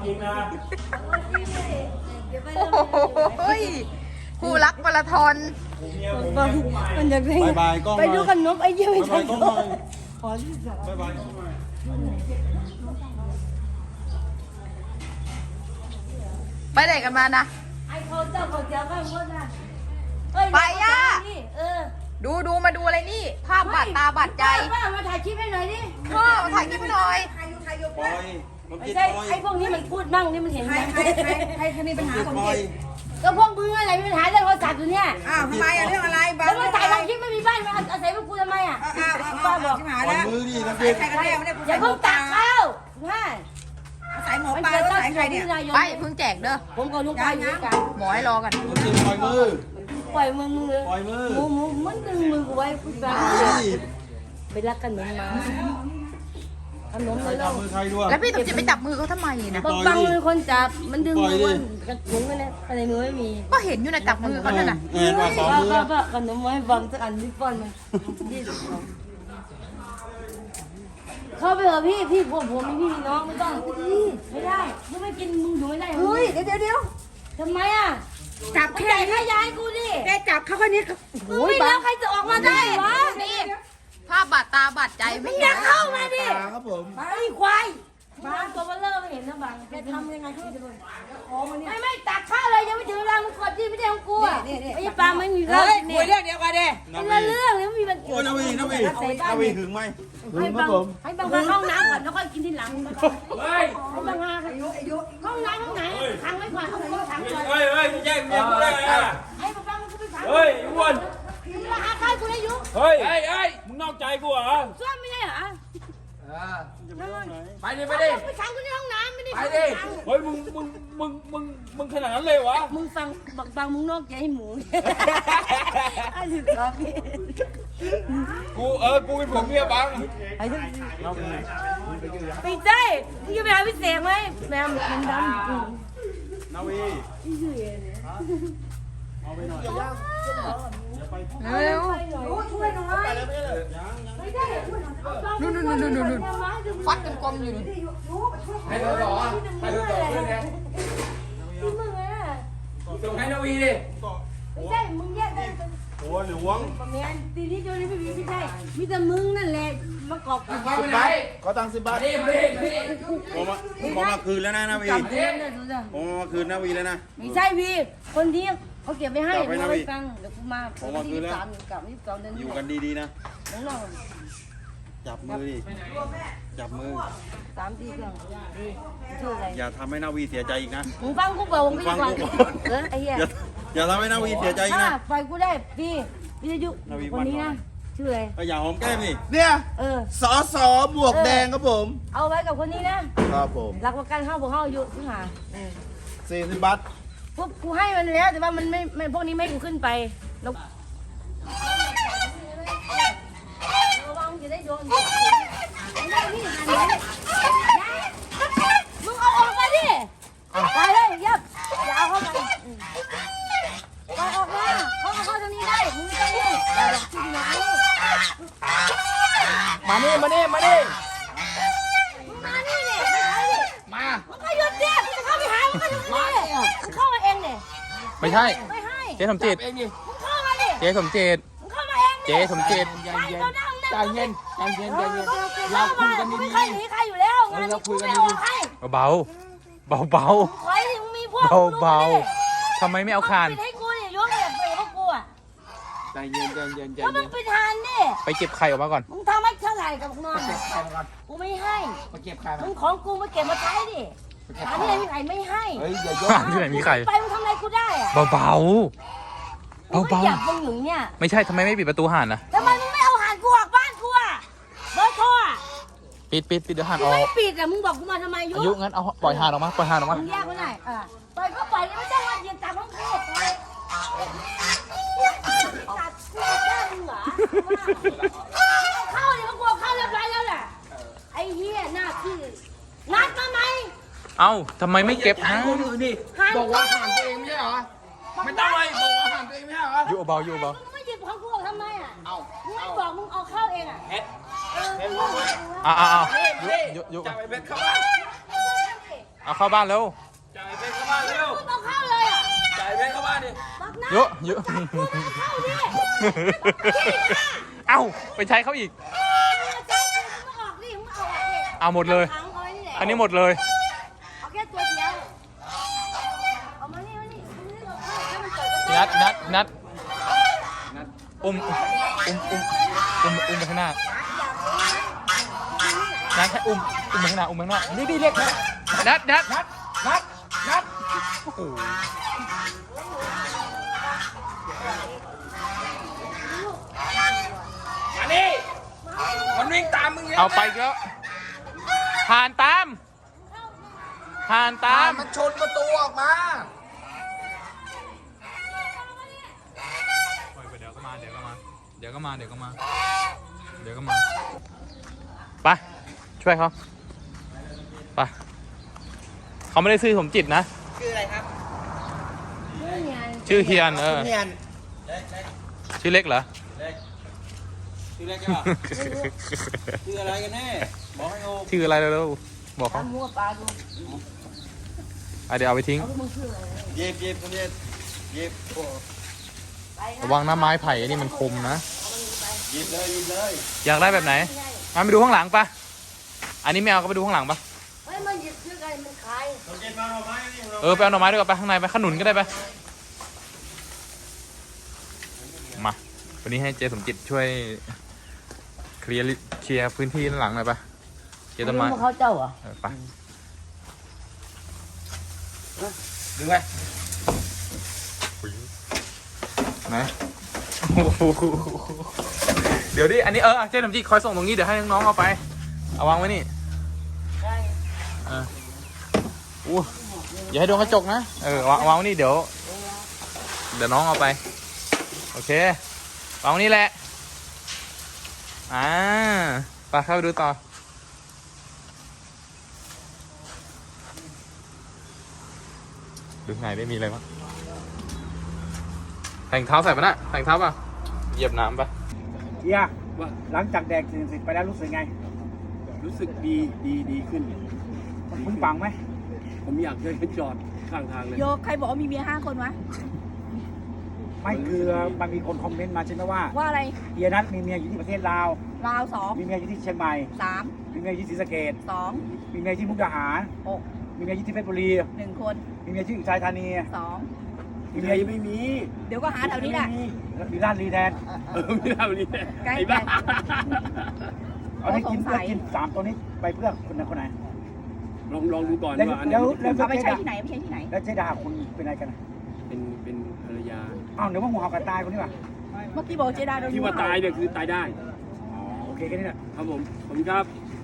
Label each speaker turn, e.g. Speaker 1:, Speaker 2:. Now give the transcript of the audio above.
Speaker 1: จริงนะ
Speaker 2: โอ้ยคู่รักมาราธอน
Speaker 3: มันอยากได้
Speaker 4: บายบายกล้อง
Speaker 3: ไปดูกันนกไอ้เยี่ยไม่
Speaker 4: บาย
Speaker 3: ทั
Speaker 4: บาน ยกล้องหน่อย
Speaker 3: ขอที่สาม
Speaker 4: บายบายกล้องหน่อย
Speaker 2: ไปไหนกันมานะ
Speaker 3: ไอ้เขาเจ้าเขาเจ้าก็พูดนะ
Speaker 2: ไปย่า
Speaker 3: เออ
Speaker 2: ดูมาดูอะไรนี่ ภาพบาดตาบาดใจ
Speaker 3: ป้ามาถ่ายคลิปให้หน่อยดิ
Speaker 2: พ่อถ่ายคลิปให้หน่อย
Speaker 4: ปล่อยมัน
Speaker 3: ไม่
Speaker 4: กิน
Speaker 3: ใช่
Speaker 4: ปล่อย
Speaker 3: ไอ้พวกนี้มันพูดบ้างนี่มันเห็นไหม
Speaker 5: ใครมีปัญหาของ
Speaker 4: ปล่อ
Speaker 5: เด็
Speaker 4: ย
Speaker 5: ก
Speaker 3: ก็พวกมึงอะไรมีปัญหาเรื่องโทรศัพท์อยู่เนี่ย
Speaker 5: อ้าวทำไมอะเรื่องอะไรบ้า
Speaker 3: แล้วมาถ่ายลงคลิปไม่มีบ้านมาอาศัยพวกกูทำไมอ่ะ
Speaker 5: ป้าบอกที่หา
Speaker 4: ปล่อย
Speaker 5: แล้ว
Speaker 4: มือดินะ
Speaker 5: ใส่
Speaker 4: พี่
Speaker 5: ใครกันแน่ไม่ได้
Speaker 3: อย่าเพิ่งตักข้าวห้า
Speaker 5: ใส่หมอ
Speaker 3: มัน
Speaker 5: ปลา
Speaker 3: เกิด
Speaker 5: แล้ว
Speaker 3: ตั้ง
Speaker 5: ใส่ใคร
Speaker 3: ที่
Speaker 5: เนี่ย
Speaker 3: นายก
Speaker 2: ไปเพิ่งแจกเด้อ
Speaker 3: ผมกับลูกไปอยู่ด้วยกัน
Speaker 2: หมอให้รอกัน
Speaker 4: มันกินปล่อยมือ
Speaker 3: ปล่อยมึงเลย
Speaker 4: ปล่อยมือ
Speaker 3: มึงมันดึงมือกูไว้กูจะ
Speaker 4: นี่
Speaker 3: ไปรักกันเหมือนมาขนม
Speaker 4: ใคร
Speaker 3: มาแล้ว
Speaker 4: ทำมือใครด้วย
Speaker 2: แล้วพี่สมจิตไปจับมือเขาทำไมนะ
Speaker 3: บังเป็นคนจับมันดึงมือ
Speaker 4: ปล่อยดิ
Speaker 3: กระถุงกันเนี่ยอะไรมือไม่มี
Speaker 2: ก็เห็นอยู่นะจับมือเขานั่นน่ะ
Speaker 4: เห็นว่าสองมือ
Speaker 3: ก็ขนมไว้บังสักอันที่ป้อนมันเข้าไปเถอะพี่พวกผมมีพี่มีน้องไม่ต้องไม่ได้มึงไม่กินมึงอยู่ไม่ได้
Speaker 5: เฮ้ยเดี๋ยว
Speaker 3: ทำไมอ่ะ
Speaker 5: จับ
Speaker 3: ไม่
Speaker 5: แค่
Speaker 3: จ่ายค่าย้ายกูดิ
Speaker 5: แกจับเขาคนนี้
Speaker 3: มึงไม่แล้วใครจะออกมาได้วะ
Speaker 2: นี่ภาพบาดตาบาดใจไม่
Speaker 3: อย่าเข้ามาดิ
Speaker 4: ครับผม
Speaker 3: ไอ้ควายบางตัวเบลเลอร์ไม่เห็นนะบางแกทำยังไงเขาจะโดนไม่ตักข้าวเลยยังไม่ถึงเวลามึงกดที่ไม่ใช่ของกูอ่ะไอ้ปลาไม่มีข้าว
Speaker 5: เฮ้ย
Speaker 3: เนี่
Speaker 5: คุย
Speaker 3: ย
Speaker 5: เรื่องเดียวกันดิ
Speaker 3: คนละเรื่องเลยไม่มีมัน
Speaker 4: โอ้ยนาวีนาวีหึงไหมหึงครับผม
Speaker 3: ให้บางมาเข้าห้องน้ำก่อนแล้วค่อยกินทีหลัง
Speaker 1: เฮ้ย
Speaker 3: ให้บางมาห้องน้ำห้องไหนขังไว้ก่อนเอาตัวขังก่อน
Speaker 1: เฮ้ยมึงแย่งเมียกูได้ไงอ่ะ
Speaker 3: ให้บางกูไปขัง
Speaker 1: เฮ้ยอ้วน
Speaker 3: ราคาข้าวกูได้ยุ
Speaker 1: เฮ้ยมึงนอกใจกูเหรอ
Speaker 3: ซ่อมไม่ได้เหรอ
Speaker 1: ไปดิไปดิ
Speaker 3: ไปขังกูในห้องน้ำไม่ได้
Speaker 1: ไปดิเฮ้ยมึงขนาดนั้นเลยวะ
Speaker 3: มึงฟังบางมึงนอกใจให้หมูไอ้สิครับพี่
Speaker 1: กูเป็นผมเมียบัง
Speaker 3: ไอ้ทุกไปได้มึงจะไปหาพี่เสกไหมแม่มันดำ
Speaker 4: นาวี
Speaker 2: เร็ว
Speaker 3: ช่วยหน่อยไม่ได้
Speaker 2: นู่นฟัดกันกลมอยู่นู่น
Speaker 1: ให้ตัวต่อให้ตัวต่อเพื่อนเนี่ย
Speaker 3: ที่มึงอ่ะ
Speaker 1: ส่งให้นาวีดิ
Speaker 3: ไม่ใช่มึงแยกได้
Speaker 4: หัวหลวง
Speaker 3: แม่ตีนี้โจนี่ไม่ใช่มีแต่มึงนั่นแหละมากอกกู
Speaker 1: ไปไหน
Speaker 4: ขอตังค์10 บาท
Speaker 1: มาดิ
Speaker 4: ผมมาคืนแล้วนะนาวี
Speaker 3: จับเล่นเลยสุด
Speaker 4: ผมมาคืนนาวีแล้วนะ
Speaker 3: ไม่ใช่พี่คนที่เขาเก็บไว้ให้
Speaker 4: จับไว้นะ
Speaker 3: เอาไว้
Speaker 4: พี่
Speaker 3: ฟังเดี๋ยวกูมา
Speaker 4: ผมมาคืนแล้ว
Speaker 3: 23 เดือน
Speaker 4: อยู่กันดีๆนะ
Speaker 3: น้องน้อง
Speaker 4: จับมือดิจับมือ
Speaker 3: 3 4 เครื่องดีชื่ออะไร
Speaker 4: อย่าทำให้นาวีเสียใจอีกนะ
Speaker 3: มึงฟังกูบอกมึง
Speaker 4: ฟัง
Speaker 3: ก่อน
Speaker 4: กู
Speaker 3: ไอ้เหี้ย
Speaker 4: อย่าทำให้นาวีเสียใจอีกนะ
Speaker 3: ไฟกูได้พี่วิทยุ
Speaker 4: นาวี
Speaker 3: คนนี้นะชื่ออะไร
Speaker 4: ก็อย่าหอมแก้มดิ
Speaker 6: เนี่ย
Speaker 3: เออ
Speaker 6: สอสอหมวกแดงครับผม
Speaker 3: เอาไว้กับคนนี้นะครับ
Speaker 6: ผม
Speaker 3: หลักประกันเข้าบอกเข้าอายุถึงหา
Speaker 6: 40 บาท
Speaker 3: พวกกูให้มันแล้วแต่ว่ามันไม่พวกนี้ไม่กูขึ้นไปแล้วระวังจะได้โดนมึงเอาออกมาดิไปเลยยับอย่าเอาเข้ามาไปออกมาเข้าทางนี้ได้มึงไม่ต้องยุ่งอย่าหลอกที่ไหน
Speaker 1: มานี่
Speaker 3: มึงมานี่เนี่ยไม่ใช่ดิ
Speaker 1: มา
Speaker 3: มึงก็หยุดดิมึงจะเข้าไปหามึงก็หยุดดิมึงเข้ามาเองเนี่ย
Speaker 7: ไม่ใช่
Speaker 3: ไม่ให้
Speaker 7: เจ๊สมจิต
Speaker 1: เองดิ
Speaker 3: มึงเข้ามาดิ
Speaker 7: เจ๊สมจิต
Speaker 3: มึงเข้ามาเองดิ
Speaker 7: เจ๊สมจิต
Speaker 1: ใจเย็นเราคุยกัน
Speaker 3: เราคุยกันดีๆไม่เคยหนีใครอยู่แล้วงานนี้กูไม่เอาใคร
Speaker 7: เบาๆเบา
Speaker 3: ไว้มึงมีพวก
Speaker 7: เบาๆทำไมไม่เอาคาน
Speaker 3: ปิดให้กูเนี่ยยกแบบไปพวกกูอ่ะ
Speaker 1: ใจเย็น
Speaker 3: ก็มึงปิดทานดิ
Speaker 7: ไปเก็บไข่ออกมาก่อน
Speaker 3: มึงทำให้เท่าไหร่กับนอนกูไม่ให้
Speaker 1: มาเก็บใคร
Speaker 3: มึงของกูมาเก็บมาใช้ดิหาที่ไหนมีใครไม่ให้
Speaker 1: เฮ้ยอย่ายก
Speaker 7: ที่ไหนมีไข่
Speaker 3: ไปมึงทำอะไรกูได้อะ
Speaker 7: เบา
Speaker 3: กูไม่อยากมึงอยู่เนี่ย
Speaker 7: ๆไม่ใช่ทำไมไม่ปิดประตูห่านนะ
Speaker 3: ทำไมมึงไม่เอาหานกูออกบ้านกูอ่ะเบอร์โทรอ่ะ
Speaker 7: ปิดเดี๋ยวห่าน
Speaker 3: มึ
Speaker 7: อง อก
Speaker 3: ไม่ปิดอ่ะมึงบอกกูมาทำไมยุ
Speaker 7: อายุงั้นเอาปล่อยห่านออกมา
Speaker 3: มึงแยกไว้หน่อยปล่อยก็ปล่อยเลยไม่ต้องมายืนตามห้องกูปล่อยตัดกูแค่มึงเหรอเข้าเนี่ยมันกลัวเข้าเรียบร้อยแล้วแหละไอ้เหี้ยหน้าที่นัดมาไหม
Speaker 7: เอ้าทำไมไม่เก็บฮะ
Speaker 1: คนอื่นดิบอกว่าห่านตัวเองไม่ใช่เหรอไม่ต้องเลยบอกว่าห่านตัวเองไม่ใช่เหรอ
Speaker 7: อยู่เบา
Speaker 3: มึงไม่หยิบของกูออกทำไมอ่ะมึงไม่บอกมึงเอาเข้าเองอ่ะ
Speaker 7: อ้าว
Speaker 1: จับไปเป็นเข้าบ้าน
Speaker 3: ไ
Speaker 7: เอาเข้าบ้านเร็ว
Speaker 1: จ่ายเพชรเข้าบ้านเร็ว
Speaker 3: ต้องเข้าเลยอ่ะ
Speaker 1: จ่ายเพชรเข้าบ้านดิ
Speaker 3: บักหน้า
Speaker 7: เยอะเยอะ เอ้าไปใช้เขาอีก เอาหมดเลย อันนี้หมดเลย
Speaker 3: เอาแค่ตัวเดียวเอามานี่ให้มันเกิดกระแส
Speaker 7: นัดอุ้มไปข้างหน้านัดแค่อุ้มไปข้างหน้านี่เรียกนัดโอ้โห
Speaker 1: มานี่มันวิ่งตามมึงเนี่ย
Speaker 7: เอาไปอีกแล้วผ่านตาม
Speaker 1: มันชนประตูออกมา
Speaker 7: เดี๋ยวก็มาไปช่วยเขาไปเขาไม่ได้ซื้อสมจิตนะ
Speaker 5: คืออะไรครับ
Speaker 7: ชื่อเฮียน
Speaker 5: เนียน
Speaker 7: ชื่อเล็กเหรอ
Speaker 4: ชื่ออะไรกันวะชื่ออะไรกันแน่บอกให้โอ
Speaker 7: ชื่ออะไรเร็วๆบอกเขา
Speaker 3: มั่วปลาดู
Speaker 7: เดี๋ยวเอาไปทิ้ง
Speaker 4: เย็บคนเย็บโอ้
Speaker 7: ระวังนะไม้ไผ่อันนี้มันคมนะ
Speaker 4: หยิบเลย
Speaker 7: อยากได้แบบไหนมาไปดูข้างหลังปะอันนี้ไม่เอาก็ไปดูข้างหลังปะ
Speaker 3: เฮ้ยมันหยิบชื่ออะไรมันคล้าย
Speaker 4: เราเก็บมาหน่อไม้นี่เรา
Speaker 7: ไปเอาหน่อไม้ด้วยกันไปข้างในไปขนุนก็ได้ไปมาวันนี้ให้เจสมจิตช่วยเคลียร์พื้นที่ด้านหลังหน่อยปะเคลียร์ต้นไม้
Speaker 3: เขาเจ้าอ่ะ
Speaker 7: ไป
Speaker 1: ดึงไป
Speaker 7: ไหนเดี๋ยวดิอันนี้เจสมจิตคอยส่งตรงนี้เดี๋ยวให้น้องๆเอาไปเอาวางไว้นี่อู้อย่าให้โดนกระจกนะวางไว้นี่เดี๋ยวน้องเอาไปโอเควางไว้นี่แหละไปเข้าไปดูต่อดูไงได้มีอะไรบ้างแต่งเท้าใส่ปะน่ะแต่งเท้าป่ะเหยียบน้ำปะ
Speaker 8: เฮียหลังจากแดกสิ่งไปแล้วรู้สึกไง
Speaker 9: รู้สึกดีขึ้น
Speaker 8: มึงฟังไหม
Speaker 9: ผมอยากให้จอดข้างทางเลย
Speaker 5: โยใครบอกว่ามีเมีย5 คนวะ
Speaker 8: ไม่คือมันมีคนคอมเมนต์มาใช่ไหมว่า
Speaker 5: ว่าอะไร
Speaker 8: เฮียนัทมีเมียอยู่ที่ประเทศลาว
Speaker 5: ราว
Speaker 8: มีเมียอยู่ที่เชียงใหม่
Speaker 5: 2
Speaker 8: มีเมียอยู่ที่ศรีสะเกษ
Speaker 5: 3
Speaker 8: มีเมียที่มุกดาหาร
Speaker 5: 2
Speaker 8: มีเมียอยู่ที่เพชรบุรี
Speaker 5: 6 1 คน
Speaker 8: มีเมียที่อุทัยธานี
Speaker 5: 2
Speaker 8: มี
Speaker 9: ใค
Speaker 8: เมี
Speaker 9: ร
Speaker 8: ย
Speaker 9: ไม่มี
Speaker 5: เดี๋ยวก็หาแถวนี้แหละ
Speaker 8: มีร้านรีแทน
Speaker 9: ไม่ได้วันนี้
Speaker 5: ใกล้
Speaker 9: ไอ้บ้า
Speaker 8: เอาให้กินเพื่อกิน3ตัวนี้ไปเพื่อคนไหนคนไหน
Speaker 9: ลองดูก่อน
Speaker 8: แล้ว
Speaker 9: ว่าอัน
Speaker 8: แล้
Speaker 9: นี้
Speaker 8: ว
Speaker 5: เอาไปใช้ที่ไหนไม่ใช้ที่ไหน
Speaker 8: แล้วเจดาคุณเป็นอะไรกันอะ
Speaker 9: เป็นภรรยา
Speaker 8: อ้าวเดี๋ยวว่างูเห่ากันตายคนนี้ป่ะ
Speaker 5: เมื่อกี้บอกเจดาโดน
Speaker 9: ที่ว่าตายเนี่ยคือตายได้
Speaker 8: อ๋อโอเคแค่นี้แหละ
Speaker 9: ครับผมครับ